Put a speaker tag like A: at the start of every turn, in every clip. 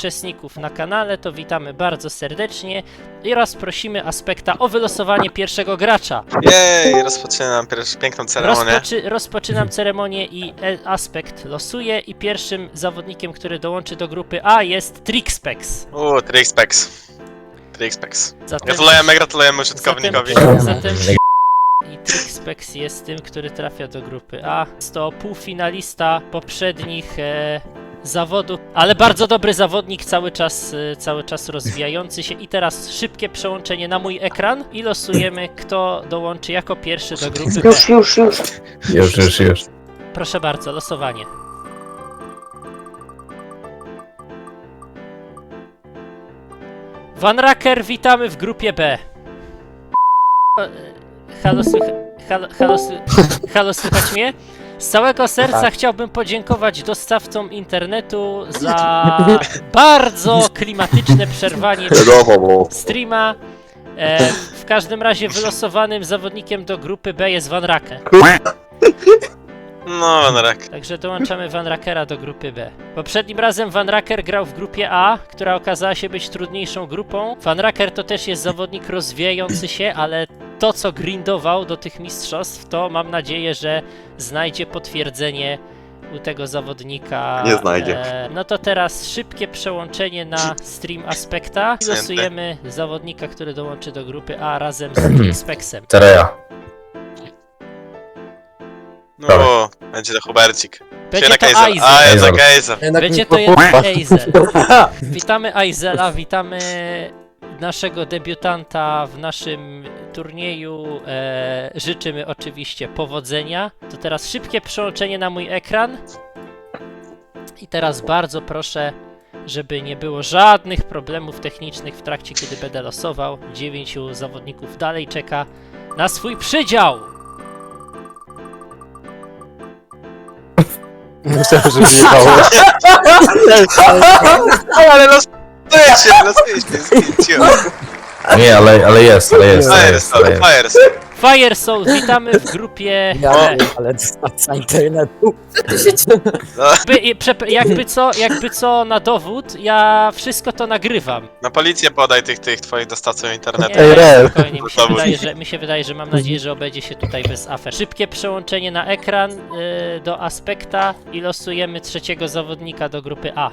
A: uczestników na kanale, to witamy bardzo serdecznie i raz prosimy Aspekta o wylosowanie pierwszego gracza.
B: Jej, rozpoczynam piękną ceremonię.
A: Rozpoczynam ceremonię i Aspekt losuje i pierwszym zawodnikiem, który dołączy do grupy A jest Trixpex.
B: Trixpex.
A: Zatem,
B: Gratulujemy użytkownikowi.
A: Zatem i Trixpex jest tym, który trafia do grupy A. Jest to półfinalista poprzednich zawodów, ale bardzo dobry zawodnik, cały czas rozwijający się. I teraz szybkie przełączenie na mój ekran i losujemy, kto dołączy jako pierwszy do grupy B.
C: Już.
A: Proszę bardzo, losowanie. Van Racker, witamy w grupie B. Halo, słychać mnie? Z całego serca chciałbym podziękować dostawcom internetu za bardzo klimatyczne przerwanie streama. W każdym razie wylosowanym zawodnikiem do grupy B jest Van Racker.
B: No, Van Racker.
A: Także dołączamy Van Rackera do grupy B. Poprzednim razem Van Racker grał w grupie A, która okazała się być trudniejszą grupą. Van Racker to też jest zawodnik rozwijający się, ale to, co grindował do tych mistrzostw, to mam nadzieję, że znajdzie potwierdzenie u tego zawodnika.
C: Nie znajdzie.
A: No to teraz szybkie przełączenie na stream Aspekta i losujemy zawodnika, który dołączy do grupy A razem z Trixpexem.
C: Tereja.
B: No, będzie to Hubercik.
A: Będzie to
B: Aizel.
A: Będzie to jednak Aizel. Witamy Aizela, witamy naszego debiutanta w naszym turnieju. Życzymy oczywiście powodzenia. To teraz szybkie przełączenie na mój ekran. I teraz bardzo proszę, żeby nie było żadnych problemów technicznych w trakcie, kiedy będę losował. 9 zawodników dalej czeka na swój przydział.
C: Myślałem, że wyjechało.
B: Ale losujecie,
C: Nie, ale jest.
A: Fire Soul, witamy w grupie.
D: Ale dostawca internetu.
A: Jakby co na dowód, ja wszystko to nagrywam.
B: Na policję podaj tych twoich dostawców internetu.
A: Nie, spokojnie, mi się wydaje, że mam nadzieję, że obejdzie się tutaj bez afer. Szybkie przełączenie na ekran do Aspekta i losujemy trzeciego zawodnika do grupy A.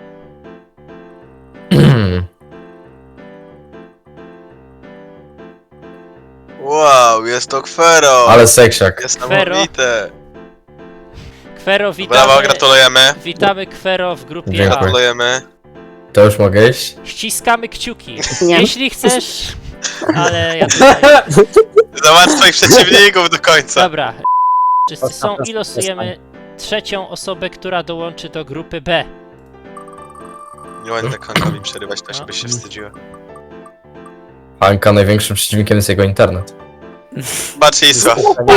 B: Wow, jest to Kwero.
C: Ale seksiak.
B: Jest niesamowite.
A: Kwero, witamy.
B: Brawo, gratulujemy.
A: Witamy Kwero w grupie
C: Dziękuję.
A: A.
B: Gratulujemy.
C: To już mogę iść?
A: Ściskamy kciuki. Jeśli chcesz, ale ja tutaj...
B: Zobacz twoich przeciwników do końca.
A: Dobra, wszyscy są i losujemy trzecią osobę, która dołączy do grupy B.
B: Nie ładnie końcowi przerywać, to się byś się wstydziła.
C: Anka największym przeciwnikiem jest jego internet.
B: Bacisław.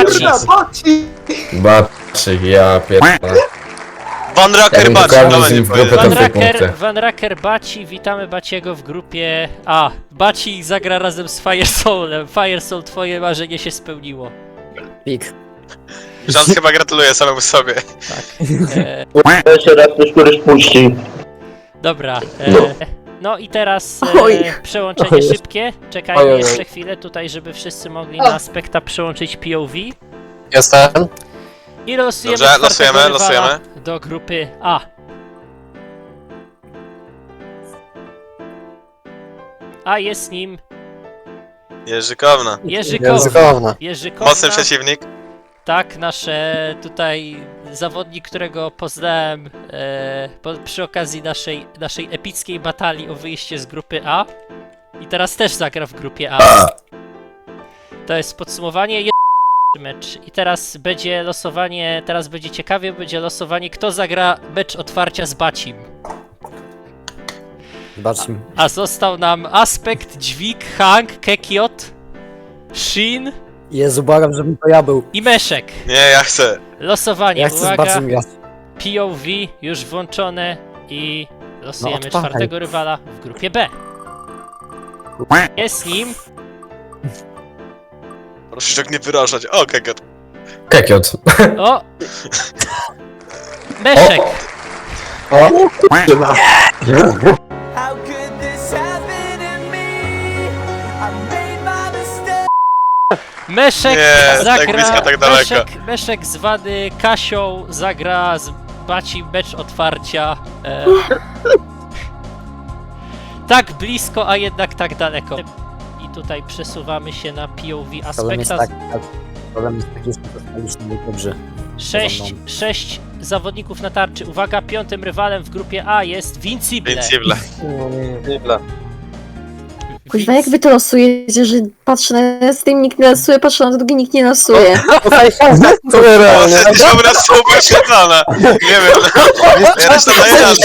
C: Baczy, ja pierdolę.
B: Van Racker
C: Jakbym
B: Baci,
C: pokazał
B: no
C: z
B: nie
C: nim w grupę,
B: powiedziałem.
C: to 2 punkty.
A: Van Racker Baci, witamy Baciego w grupie A. Baci zagra razem z Fire Soulem. Fire Soul, twoje marzenie się spełniło.
D: Pik.
B: Żan chyba gratuluje samemu sobie.
A: Tak.
E: Jeszcze raz ktoś któryś puści.
A: Dobra. No i teraz przełączenie szybkie. Czekajmy jeszcze chwilę tutaj, żeby wszyscy mogli na Aspekta przełączyć POV.
C: Jestem.
A: I losujemy
B: Dobrze,
A: czwartego rywala
B: losujemy.
A: do grupy A. A jest nim
B: Jerzykowna.
A: Jerzykowna.
B: Mocny przeciwnik.
A: Tak, nasze tutaj zawodnik, którego poznałem przy okazji naszej epickiej batalii o wyjście z grupy A. I teraz też zagra w grupie A. To jest podsumowanie. Mecz. I teraz będzie losowanie, teraz będzie ciekawie, będzie losowanie, kto zagra mecz otwarcia z Bacim.
D: Bacim.
A: A został nam Aspekt, Dźwig, Hank, Kekiot, Shin
D: Jezu, błagam, żebym to ja był.
A: i Meszek.
B: Nie, ja chcę.
A: Losowanie,
D: Ja chcę z
A: uwaga,
D: Bacim grać.
A: POV już włączone i losujemy
D: No, odpalaj.
A: czwartego rywala w grupie B. Jest nim
B: Proszę się tak nie wyrażać. O, Kekiot.
C: Kekiot.
A: o Meszek.
C: O!
A: Meszek
B: Nie, tak
A: zagra...
B: blisko, tak daleko.
A: Meszek zwany Kasią zagra z Bacim mecz otwarcia. Tak blisko, a jednak tak daleko. I tutaj przesuwamy się na POV
D: Problem jest
A: aspekta.
D: problem jest taki, że dostaliśmy dobrze.
A: 6 zawodników na tarczy. Uwaga, piątym rywalem w grupie A jest Vincible.
B: Invincible.
F: Kuźwa, jak wy to losujecie, że patrzę na stream, nikt nie losuje, patrzę na drugi, nikt nie losuje.
B: O, dobra, super świetlana. Nie wiem. Reszta daje na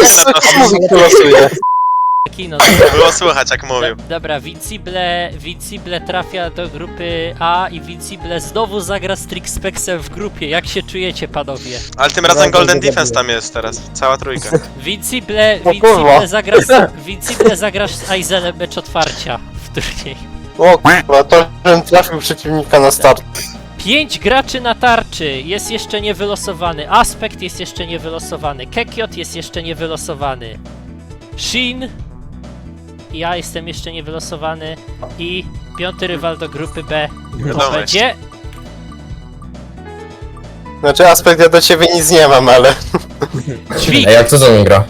A: Kino.
B: Było słychać jak mówił.
A: Dobra, Vincible trafia do grupy A i Vincible znowu zagra z Trixpexem w grupie. Jak się czujecie, panowie?
B: Ale tym razem Golden Defense tam jest teraz. Cała trójka.
A: Vincible zagrasz z Aizelem mecz otwarcia w turnieju.
G: O kurwa, to żebym trafił przeciwnika na start.
A: 5 graczy na tarczy jest jeszcze niewylosowany. Aspekt jest jeszcze niewylosowany. Kekiot jest jeszcze niewylosowany. Shin. Ja jestem jeszcze niewylosowany. I piąty rywal do grupy B to
B: Wiadomo
A: będzie...
G: Znaczy aspekt, ja do ciebie nic nie mam, ale...
A: Dźwig.
C: Ej, jak to za nim gra?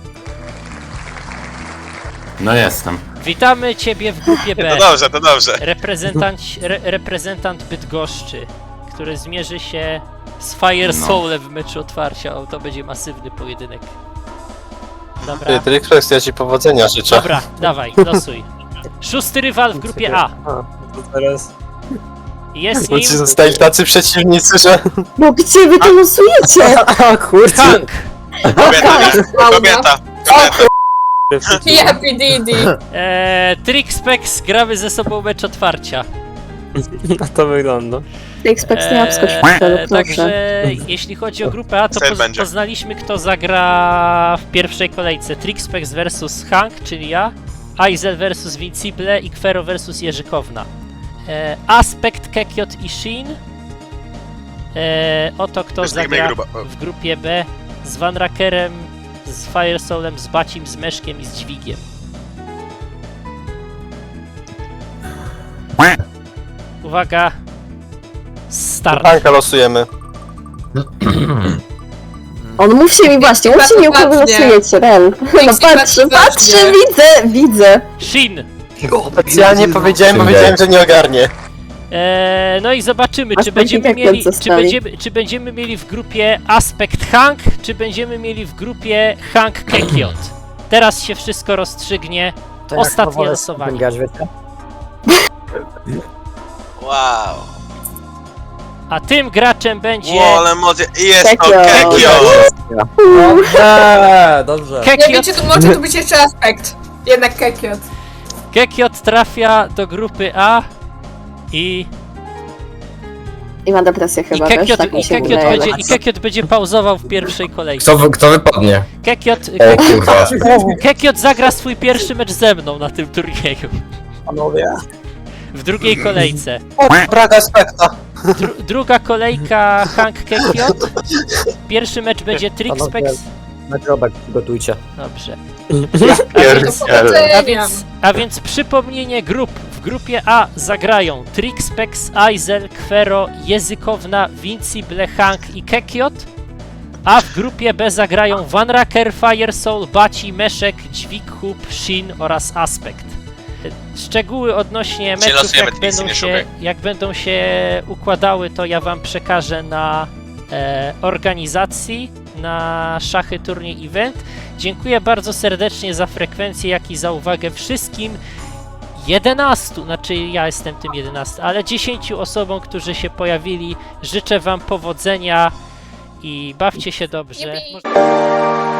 H: No jestem.
A: Witamy Ciebie w grupie B.
B: To dobrze.
A: Reprezentant Bydgoszczy, który zmierzy się z Fire Soulem w meczu otwarcia. O, to będzie masywny pojedynek. Dobra,
G: Ty, Trixpex, ja ci powodzenia życzę.
A: dobra, dawaj, losuj. Szósty rywal w grupie A. Jest
G: Bo
A: nim
G: ci zostali tacy przeciwnicy, że...
F: No gdzie wy to losujecie?
D: A kurczę!
A: Hank.
B: Kobieta.
I: Happy Didi.
A: Trixpex, gramy ze sobą mecz otwarcia.
D: To wygląda.
F: Xbox nie obskocz w
A: Także jeśli chodzi o grupę A, to
B: Cel będzie.
A: poznaliśmy, kto zagra w pierwszej kolejce. Trixpex vs Hank, czyli ja, Aizel vs Vincible i Kwero vs Jerzykowna. Aspekt, Kekiot i Shin. Oto kto zagra w grupie B z Van Rackerem, z Fire Soulem, z Bacim, z Meszkiem i z Dźwigiem. Uwaga! Start!
G: Hanka losujemy.
F: On mówcie mi właśnie, mówcie mi, u kogo losujecie, Ren. No patrzę, widzę.
A: Shin!
G: Specjalnie powiedziałem, bo wiedziałem, że nie ogarnie.
A: No i zobaczymy,
F: Aspekt i Kekiot zostali.
A: czy będziemy mieli w grupie Aspekt Hank, czy będziemy mieli w grupie Hank Kekiot. Teraz się wszystko rozstrzygnie.
D: To jak
A: Ostatnie
D: wolę
A: losowanie.
D: grać, wiecie?
B: Wow.
A: A tym graczem będzie
B: Wow, ale emocje. I jest to
F: Kekiot.
B: Kekiot.
D: Dobrze.
I: Nie
A: Kekiot.
I: wiecie, to może tu być jeszcze aspekt. Jednak Kekiot.
A: Kekiot trafia do grupy A i
F: ma depresję chyba, wiesz, tak mi się wydaje.
A: Kekiot będzie pauzował w pierwszej kolejce.
C: Kto wypadnie? O kurwa.
A: Kekiot zagra swój pierwszy mecz ze mną na tym turnieju.
D: Panowie.
A: W drugiej kolejce.
G: Brak aspekta.
A: Druga kolejka Hank Kekiot. Pierwszy mecz będzie Trixpex.
D: Nagrobek przygotujcie.
A: Dobrze.
I: Powodzenia.
A: A więc przypomnienie grup. W grupie A zagrają Trixpex, Aizel, Kwero, Językowna, Vincible, Hank i Kekiot. A w grupie B zagrają Van Racker, Fire Soul, Baci, Meszek, Dźwig, Hub, Shin oraz Aspekt. Szczegóły odnośnie meczów,
B: losujemy, nic nie szukaj.
A: jak będą się układały, to ja wam przekażę na organizacji, na Szachy Turniej Event. Dziękuję bardzo serdecznie za frekwencję, jak i za uwagę wszystkim 11, znaczy ja jestem tym 11, ale 10 osobom, którzy się pojawili. Życzę wam powodzenia i bawcie się dobrze.
I: Yippee.